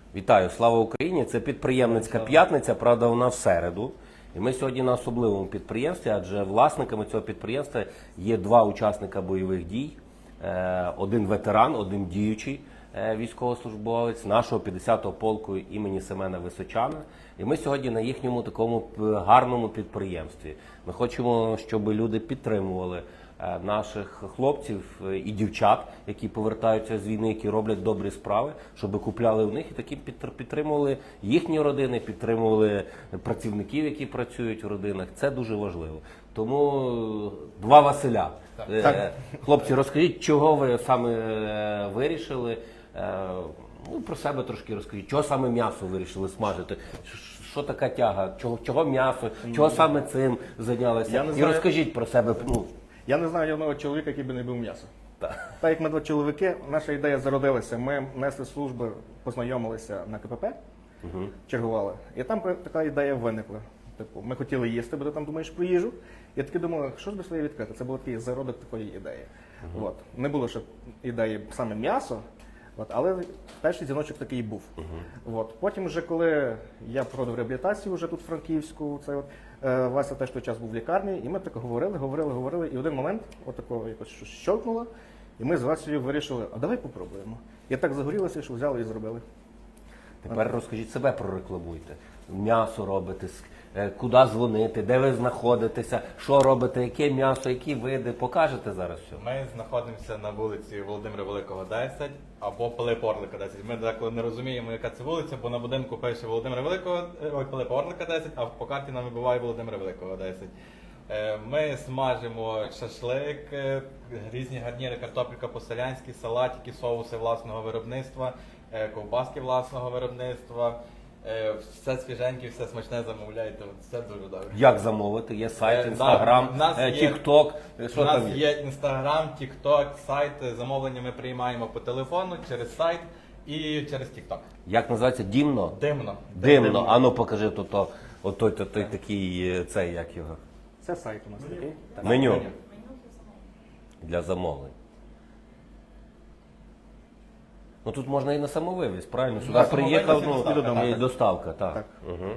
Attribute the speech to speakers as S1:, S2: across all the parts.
S1: Вітаю, слава Україні! Це підприємницька п'ятниця, правда, вона в середу. І ми сьогодні на особливому підприємстві, адже власниками цього підприємства є два учасника бойових дій. Один ветеран, один діючий військовослужбовець нашого 50-го полку імені Семена Височана. І ми сьогодні на їхньому такому гарному підприємстві. Ми хочемо, щоб люди підтримували наших хлопців і дівчат, які повертаються з війни, які роблять добрі справи, щоб купляли у них і такі підтримували їхні родини, підтримували працівників, які працюють в родинах. Це дуже важливо. Тому два Василя. Хлопці, розкажіть, чого ви саме вирішили? Ну, про себе трошки розкажіть. Чого саме м'ясо вирішили смажити? Що така тяга? Чого м'ясо? Чого саме цим зайнялися? І розкажіть про себе.
S2: Я не знаю ні одного чоловіка, який би не був м'ясо. Так як ми два чоловіки, наша ідея зародилася. Ми несли служби, познайомилися на КПП, чергували. І там така ідея виникла. Типу, ми хотіли їсти, бо ти там думаєш про їжу. І таки думали, що ж би своє відкрити? Це був такий зародок такої ідеї. От. Не було ще ідеї саме м'ясо, але перший дзвіночок такий був. От. Потім, вже коли я проходив реабілітацію вже тут в Франківську, Вася теж той час був в лікарні, і ми так говорили, і в один момент отако якось щось щелкнуло, і ми з Васею вирішили, а давай попробуємо. І так загорілося, що взяли і зробили.
S1: Тепер розкажіть, себе прорекламуйте. М'ясо робите, куди дзвонити, де ви знаходитеся, що робите, яке м'ясо, які види. Покажете зараз все?
S3: Ми знаходимося на вулиці Володимира Великого, 10, або Пилипа Орлика, 10. Ми деколи не розуміємо, яка це вулиця, бо на будинку пише Володимира Великого, Пилипа Орлика, 10, а по карті нам вибиває Володимира Великого, 10. Ми смажимо шашлик, різні гарніри, картопелька по-селянськи, салатики, соуси власного виробництва, ковбаски власного виробництва. Все свіженьке, все смачне замовляйте, все дуже добре.
S1: Як замовити? Є сайт, інстаграм, тік-ток.
S3: У нас є інстаграм, тік-ток, сайт. Замовлення ми приймаємо по телефону, через сайт і через тік-ток.
S1: Як називається? Дімно?
S3: Димно.
S1: Димно. А ну покажи той такий, цей, як його?
S2: Це сайт у нас такий.
S1: Меню. Для замовлень. Ну тут можна і на самовивіз, правильно? Сюди приїхав, і доставка, так. Угу.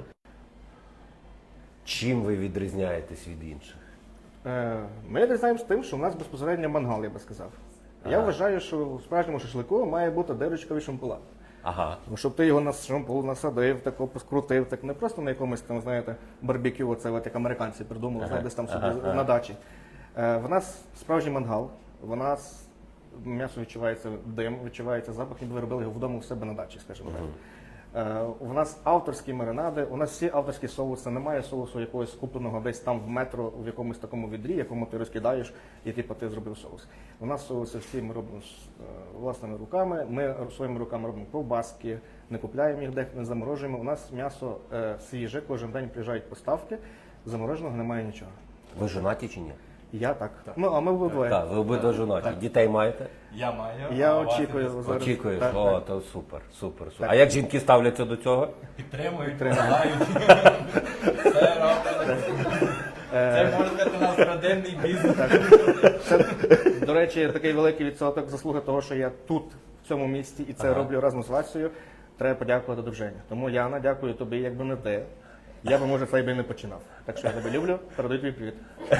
S1: Чим ви відрізняєтесь від інших?
S2: Ми відрізняємося тим, що у нас безпосередньо мангал, я би сказав. Я вважаю, що у справжньому шашлику має бути дирочка від шампула.
S1: Ага.
S2: Щоб ти його на шампул насадив, тако поскрутив, так не просто на якомусь там, знаєте, барбекю, оце як американці придумали, десь там собі на дачі. В нас справжній мангал, в нас м'ясо відчувається дим, відчувається запах, ніби ви робили його вдома у себе на дачі, скажімо так. У нас авторські маринади, у нас всі авторські соуси, немає соусу якогось купленого десь там в метро, в якомусь такому відрі, якому ти розкидаєш, і типу ти зробив соус. У нас соуси всі ми робимо власними руками, ми своїми руками робимо ковбаски, не купляємо їх, де не заморожуємо. У нас м'ясо свіже, кожен день приїжджають поставки, замороженого немає нічого.
S1: Ви жонаті чи ні?
S2: Я так. Ну, а ми обидва.
S1: Так, ви обидва жонаті. Дітей маєте?
S3: Я маю.
S2: Я очікую зараз.
S1: Очікуєш? О, то супер. А як жінки ставляться до цього?
S3: Підтримують, допомагають. Все роблять. Це, можна сказати, у нас родинний бізнес.
S2: Це, до речі, такий великий відсоток заслуги того, що я тут, в цьому місті, і це роблю разом з Васею. Треба подякувати дружині. Тому, Яна, дякую тобі, якби не ти. Я би, може, цей би не починав. Так що я тебе люблю, передаю тобі привіт.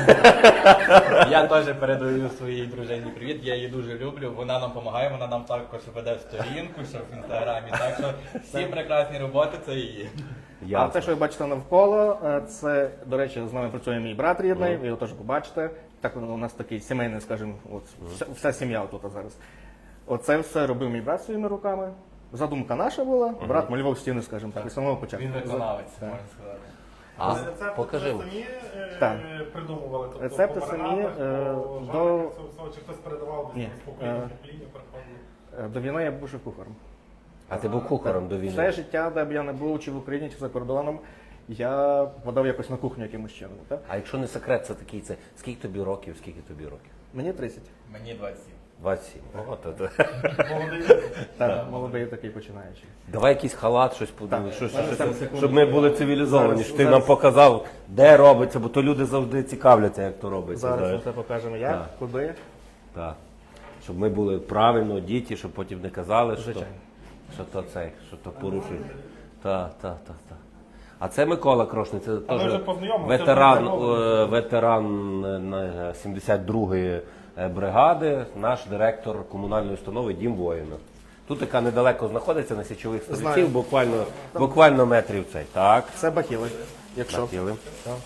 S3: Я теж передаю своїй дружині привіт, я її дуже люблю, вона нам допомагає, вона нам також веде сторінку, що в інстаграмі, так що всі прекрасні роботи це її.
S2: А те, що ви бачите навколо, це, до речі, з нами працює мій брат рідний, ви його теж побачите. Так у нас такий сімейний, скажімо, вся сім'я тут зараз. Оце все робив мій брат своїми руками. Задумка наша була, брат малював стіни, скажімо так, з самого початку.
S3: Він виконавець, можна сказати.
S1: А, покажи.
S4: Самі придумували? Тобто,
S2: рецепти самі
S4: чи хтось передавав
S2: Ні.
S4: з покоління переходили?
S2: До війни я був шеф-кухарем.
S1: А ти був кухарем до війни?
S2: Все життя, де б я не був, чи в Україні, чи за кордоном, я подав якось на кухню якимось чином. Так?
S1: А якщо не секрет, це такий, скільки тобі років,
S2: Мені 30.
S3: Мені 27.
S1: 27. О, то.
S2: Так, молодий такий починаючий.
S1: Давай якийсь халат, щось щоб ми були цивілізовані, щоб ти нам показав, де робиться, бо то люди завжди цікавляться, як то робиться.
S2: Зараз ми все покажемо, як, куди.
S1: Так. Щоб ми були правильно, діти, щоб потім не казали, що...
S2: Звичайно.
S1: що то порушує. Так. А це Микола Крошний, це
S4: ми
S1: теж
S4: вже познайомилися,
S1: ветеран,
S4: це
S1: ветеран 72-ї бригади, наш директор комунальної установи Дім воїна. Тут яка недалеко знаходиться на січових стрільців, буквально метрів цей. Так,
S2: Це бахіли, якщо.
S1: хотіли.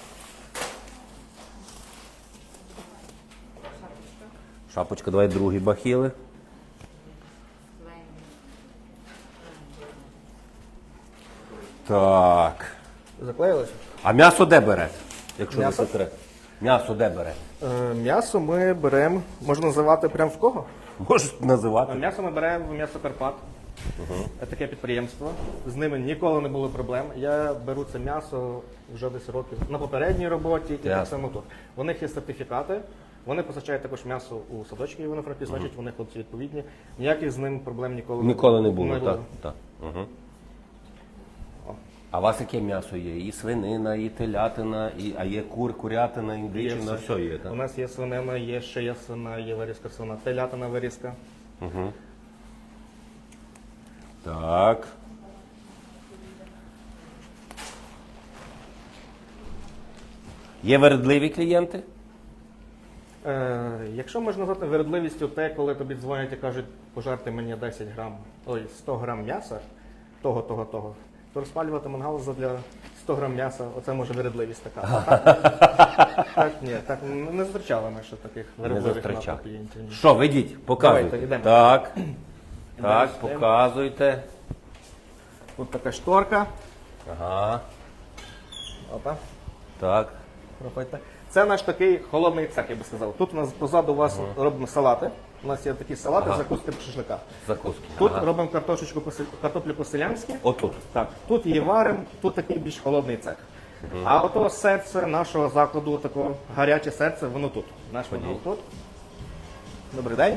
S1: Шапочка, давай другі бахіли. Так.
S2: Заклеїлися?
S1: А м'ясо де бере? Якщо не
S2: М'ясо?
S1: секрет. М'ясо де бере?
S2: М'ясо ми беремо, можна називати прямо в кого?
S1: Можеш називати.
S2: М'ясо ми беремо в м'ясо Карпат. Таке підприємство. З ними ніколи не було проблем. Я беру це м'ясо вже десь років на попередній роботі і так
S1: Ясно.
S2: само тут. У них є сертифікати. Вони постачають також м'ясо у садочки Івано-Франківську, значить вони хлопці відповідні. Ніяких з ним проблем
S1: Ніколи не було, так. Угу.
S2: О.
S1: А у вас яке м'ясо є? І свинина, і телятина, а є курятина, індичина,
S2: Є
S1: все є,
S2: У
S1: так?
S2: нас є свинина, є ще є свина, є вирізка свина, телятина вирізка.
S1: Угу. Так. Є вередливі клієнти?
S2: Якщо можна назвати вередливістю те, коли тобі дзвонять і кажуть, пожарте мені 100 грам м'яса, того, то розпалювати мангал для 100 грам м'яса, оце може вередливість така. Так, ні, так не зустрічали ми ще таких вередливих
S1: зустрічали.
S2: наших клієнтів. Ні.
S1: Що, ведіть, показуйте.
S2: Давайте, йдемо.
S1: Так,
S2: Далі йдемо.
S1: показуйте.
S2: Тут така шторка.
S1: Ага,
S2: Опа.
S1: так.
S2: Проходьте. Це наш такий холодний цех, я би сказав. Тут у нас позаду вас робимо салати. У нас є такі салати, закуски по шашлика.
S1: Закуски.
S2: Тут
S1: Ага.
S2: робимо картоплю по-селянськи.
S1: Отут.
S2: Так, тут її варимо, тут такий більш холодний цех. А ото серце нашого закладу, таке гаряче серце, воно тут. Наш мангал тут. Добрий день.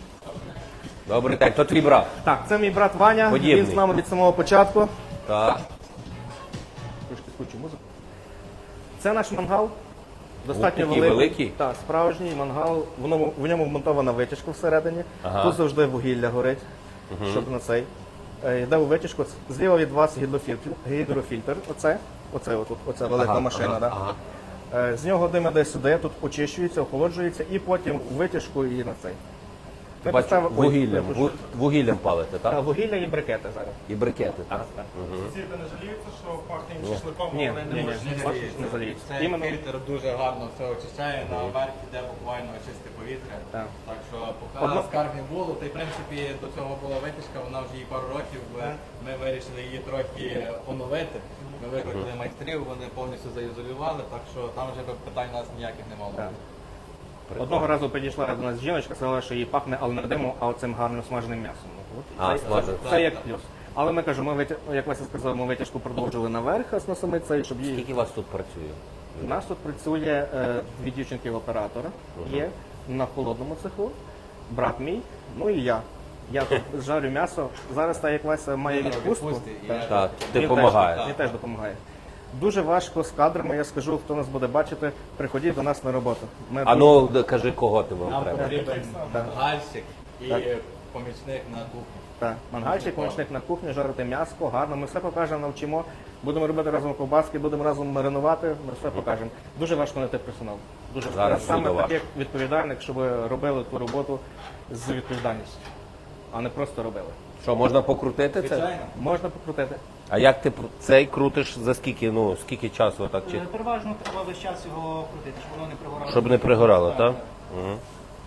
S1: Добрий день, то твій брат.
S2: Так, це мій брат Ваня.
S1: Подібний.
S2: Він з нами від самого початку.
S1: Так.
S2: Трошки скучу музику. Це наш мангал. Достатньо
S1: такий великий?
S2: Так, справжній мангал. В ньому вмонтована витяжка всередині.
S1: Ага.
S2: Тут завжди вугілля горить, щоб на цей. Йде у витяжку. Зліва від вас гідрофільтр. Оце велика машина. Да? З нього дим іде сюди, тут очищується, охолоджується і потім у витяжку і на цей. Ми
S1: Бачу,
S2: поставили- Ой,
S1: вугіллям,
S2: я прошу.
S1: вугіллям палите,
S2: Та,
S1: так?
S2: вугілля і брикети зараз.
S1: І брикети, так?
S4: Сусіди не жаліються, що пахне шашликом,
S2: Ні,
S4: вони
S2: ні,
S4: не можуть.
S2: ні. Бачиш, не заліється.
S3: Цей
S2: Іменно-
S3: фільтр дуже гарно все очищає, наверх іде буквально чисте повітря.
S2: Так.
S3: Так що поки
S2: Одно-
S3: скарг не було, то й в принципі до цього була витяжка, вона вже їй пару років. Ми вирішили її трохи оновити. Ми викликали майстрів, вони повністю заізолювали, так що там вже питань у нас ніяких не мало.
S2: Так. Одного разу підійшла до нас жіночка, сказала, що їй пахне, але не димом, а оцим гарним смаженим м'ясом.
S1: Смажене.
S2: Це як плюс. Але ми кажемо, як Вася сказав, ми витяжку продовжили наверх на самий цей, щоб її.
S1: Скільки вас тут працює?
S2: У нас тут працює дві дівчинки-оператора, є на холодному цеху, брат мій, ну і я. Я тут жарю м'ясо. Зараз, так як Вася має відпустку,
S1: Так, ти
S2: він
S1: допомагаєш.
S2: теж допомагає. Дуже важко з кадрами, я скажу, хто нас буде бачити, приходіть до нас на роботу. Ми
S1: А ну, кажи, кого ти вам
S3: Нам
S1: треба.
S3: потрібен мангальщик і
S2: Так.
S3: помічник на кухні.
S2: Так, мангальчик, помічник на кухні, жарити м'ясо, гарно. Ми все покажемо, навчимо. Будемо робити разом ковбаски, будемо разом маринувати, ми все покажемо. Дуже важко знайти персонал. Дуже
S1: Зараз
S2: саме
S1: буде
S2: таких відповідальних, щоб робили ту роботу з відповідальністю, а не просто робили.
S1: Що, можна покрутити це?
S3: Звичайно.
S2: Можна покрутити.
S1: А як ти цей крутиш за скільки, ну, скільки часу отак? Чи...
S5: Переважно треба весь час його крутити, щоб воно не пригорало.
S1: Щоб не пригорало, так? Угу.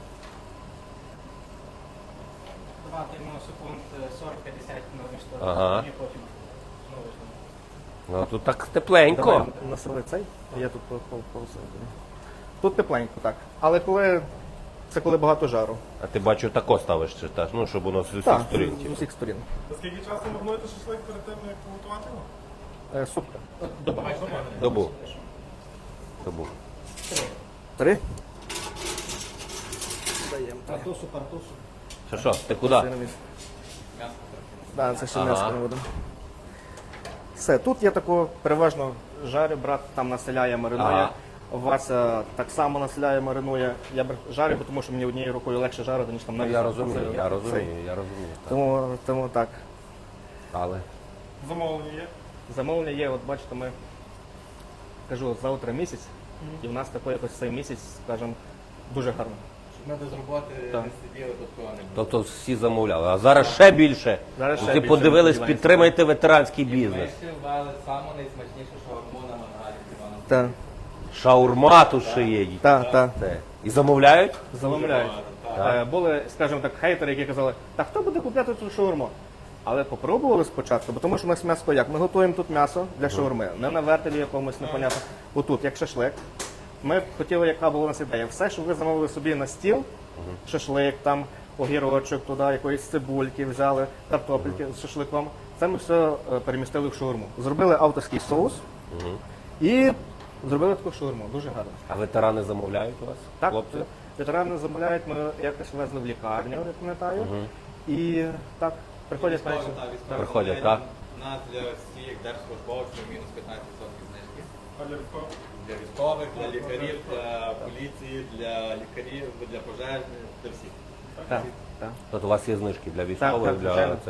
S5: Давати йому секунд 40-50 нових штук.
S1: Ага.
S5: І потім знову ж.
S1: Ну, тут так тепленько.
S2: Давай насили цей, а я тут посередині. Тут тепленько, так. Але коли багато жару.
S1: А ти бачу тако ставиш, чи так? Ну, щоб воно з усіх
S2: Так,
S1: сторін.
S2: з усіх сторін.
S4: Скільки часу марнуєте шашлик перед тим, як приготувати його?
S2: Супка.
S1: Добу. Добу.
S2: 3.
S5: Партусу.
S1: Що, ти куди?
S2: Так, це ще
S1: Ага.
S2: м'ясо не будемо. Все, тут я тако переважно жарю, брат там населяє, маринує.
S1: Ага.
S2: Вася так само населяє, маринує. Я жарю, бо тому що мені однією рукою легше жарити, ніж там навіть.
S1: Я розумію. Так.
S2: Тому так.
S1: Але
S4: Замовлення є.
S2: Замовлення є, от бачите, ми кажу, завтра місяць, і в нас такий якось цей місяць, скажімо, дуже гарно.
S3: Щоб ми без роботи
S2: Так.
S3: не сиділи, тут кого не було.
S1: тобто всі замовляли. А зараз ще більше.
S2: Зараз ще
S1: Ти
S2: більше,
S1: подивились,
S2: сподіваємося.
S1: підтримайте ветеранський
S3: Ми
S1: бізнес.
S3: ще ввели саму найсмачнішу шаурму на мангалі в Івано.
S2: Так,
S1: Шаурма тут ще є.
S2: так, так.
S1: Те. І замовляють?
S2: Замовляють. Були, скажімо так, хейтери, які казали, та хто буде купляти цю шаурму? Але попробували спочатку, бо тому що у нас м'ясо як? Ми готуємо тут м'ясо для шаурми, не на вертелі якомусь непонятно. Отут, як шашлик. Ми хотіли, яка була у нас ідея. Все, що ви замовили собі на стіл, шашлик, там, огірочок, туди, якоїсь цибульки взяли, картопельки з шашликом. Це ми все перемістили в шаурму. Зробили авторський соус і зробили таку шаурму. Дуже гарно.
S1: А ветерани замовляють у вас?
S2: Так,
S1: Хлопці?
S2: ветерани замовляють, ми якось везли в лікарню, я пам'ятаю. І так, приходять
S3: Військові,
S2: менше.
S3: так, військові
S1: Приходять,
S3: замовлення.
S1: так?
S3: У нас для всіх держслужбовців мінус 15% знижки.
S4: А для військових?
S3: Для військових, для лікарів, для поліції, для лікарів, для пожежних, для всіх.
S2: Так, так.
S1: Тобто у вас є знижки для військових,
S2: так,
S1: для
S2: звичайно.
S1: це.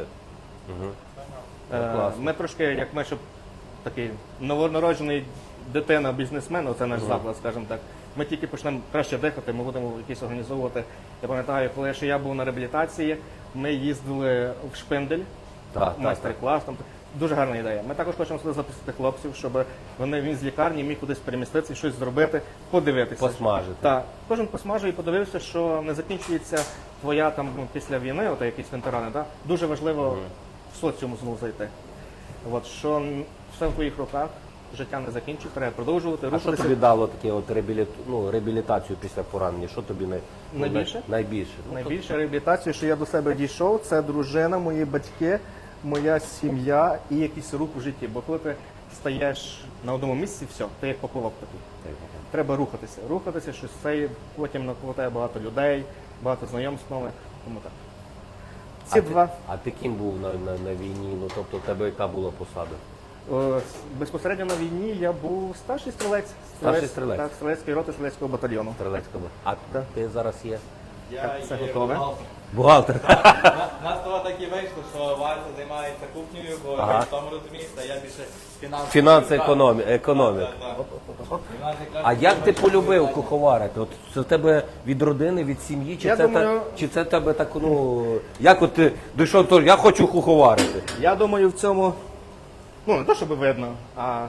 S1: Класно.
S2: Ми трошки, як ми, щоб такий новонароджений дитина, бізнесмен, оце наш заклад, скажімо так. Ми тільки почнемо краще дихати, ми будемо якісь організовувати. Я пам'ятаю, коли ще я був на реабілітації, ми їздили в Шпиндель,
S1: Так,
S2: майстер-клас. Там дуже гарна ідея. Ми також хочемо сюди запустити хлопців, щоб він з лікарні міг кудись переміститися, щось зробити, подивитися.
S1: Посмажити.
S2: Так, кожен посмажив і подивився, що не закінчується твоя там після війни, от якісь ветерани, так? Дуже важливо в соціум знову зайти. От, що все в твоїх руках, життя не закінчується, треба продовжувати,
S1: А що
S2: рухатися.
S1: тобі дало таке от реабілітацію після поранення? Що тобі
S2: Найбільше?
S1: Найбільше.
S2: Найбільше реабілітацію, що я до себе дійшов, це дружина, мої батьки, моя сім'я і якийсь рух у житті. Бо коли ти стаєш на одному місці, все, ти як поплавок такий. Треба рухатися, щось це, потім навколо тебе багато людей, багато знайомств нових, тому так. Ці два.
S1: А ти ким був на війні? Ну тобто, у тебе яка була посада?
S2: Безпосередньо на війні я був старший стрілець.
S1: Старший стрілець.
S2: Так, стрілецької роти, стрілецького батальйону.
S1: Стрілецька була. А ти зараз є?
S3: Я
S2: це
S3: є
S2: готове?
S3: бухгалтер.
S1: Бухгалтер.
S3: У нас того так і вийшло, що Вася займається кухнею, бо
S1: Ага.
S3: ви в тому розумієте, а я більше фінансовий.
S1: Фінанси,
S3: Так.
S1: економік.
S3: Так, так. І в нас якраз
S1: А як ти
S3: таке
S1: полюбив
S3: питання.
S1: куховарити? От це в тебе від родини, від сім'ї, чи
S2: Я
S1: це
S2: думаю-
S1: чи це тебе так, ну як от ти дійшов, то я хочу куховарити?
S2: Я думаю, в цьому, не то, щоб видно, а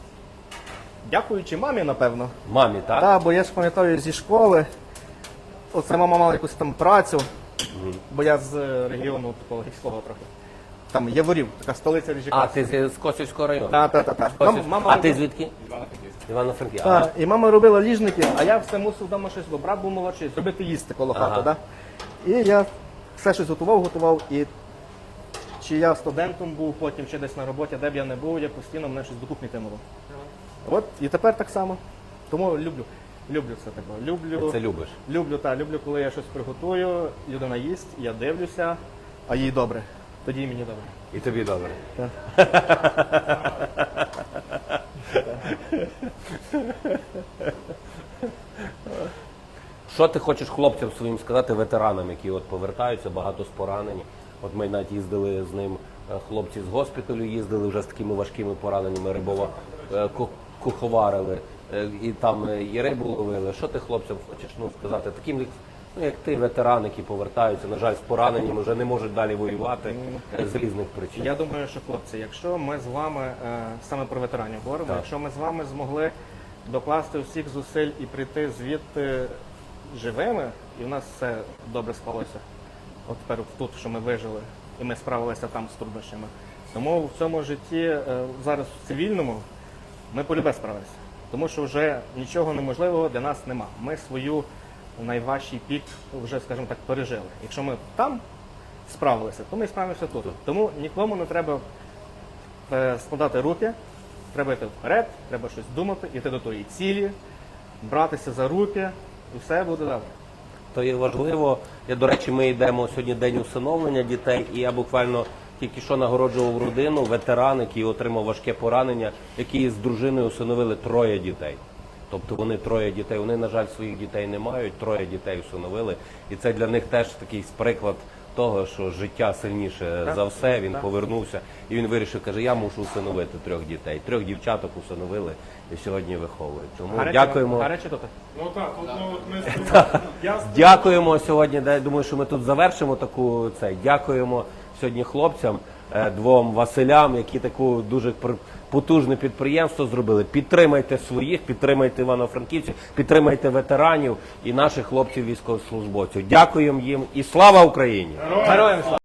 S2: дякуючи мамі, напевно.
S1: Мамі, так?
S2: Так, бо я ж пам'ятаю зі школи, оце мама мала якусь там працю, бо я з регіону такого гірського трохи. Там Яворів, така столиця
S1: А,
S2: Ріжика.
S1: ти з Косівського району?
S2: Так.
S1: А ти звідки? Івано-Франківська.
S2: Так, і мама робила ліжники, а я все мусив вдома щось, бо брат був молодший, зробити їсти коло
S1: Ага.
S2: хати. Да? І я все щось готував, і чи я студентом був, потім чи десь на роботі, де б я не був, я постійно мене щось до кухні тянуло. От і тепер так само. Тому люблю це таке.
S1: Ти це любиш?
S2: Люблю, коли я щось приготую, людина їсть, я дивлюся, а їй добре. Тоді і мені добре.
S1: І тобі добре. Що ти хочеш хлопцям своїм сказати, ветеранам, які от повертаються, багато з поранені? От ми навіть їздили з ним, хлопці з госпіталю їздили вже з такими важкими пораненнями, рибова куховарили, і там і рибу ловили. Що ти хлопцям хочеш сказати? Таким, як ти, ветерани, які повертаються, на жаль, з пораненням, вже не можуть далі воювати з різних причин.
S2: Я думаю, що хлопці, якщо ми з вами саме про ветеранів говоримо, якщо ми з вами змогли докласти всіх зусиль і прийти звідти живими, і в нас все добре склалося. От тепер тут, що ми вижили, і ми справилися там з труднощами. Тому в цьому житті зараз в цивільному ми полюбе справилися. Тому що вже нічого неможливого для нас нема. Ми свою найважчий пік вже, скажімо так, пережили. Якщо ми там справилися, то ми справимося тут. Тому нікому не треба складати руки, треба йти вперед, треба щось думати, йти до тої цілі, братися за руки, і все буде добре.
S1: То є важливо. До речі, ми йдемо сьогодні день усиновлення дітей, і я буквально тільки що нагороджував родину, ветеран, який отримав важке поранення, які з дружиною усиновили 3 дітей. Тобто вони 3 дітей, вони, на жаль, своїх дітей не мають, 3 дітей усиновили. І це для них теж такий приклад того, що життя сильніше за все, він повернувся і він вирішив, каже, я мушу усиновити 3 дітей. 3 дівчаток усиновили і сьогодні виховують. Тому дякуємо.
S2: Гаряче тут?
S4: Ну так, тут ну, от ми я
S1: Дякуємо сьогодні. Я думаю, що ми тут завершимо таку цей. Дякуємо сьогодні хлопцям, 2 Василям, які таку дуже потужне підприємство зробили. Підтримайте своїх, підтримайте івано-франківців, підтримайте ветеранів і наших хлопців військовослужбовців. Дякуємо їм і слава Україні!
S2: Героям слава!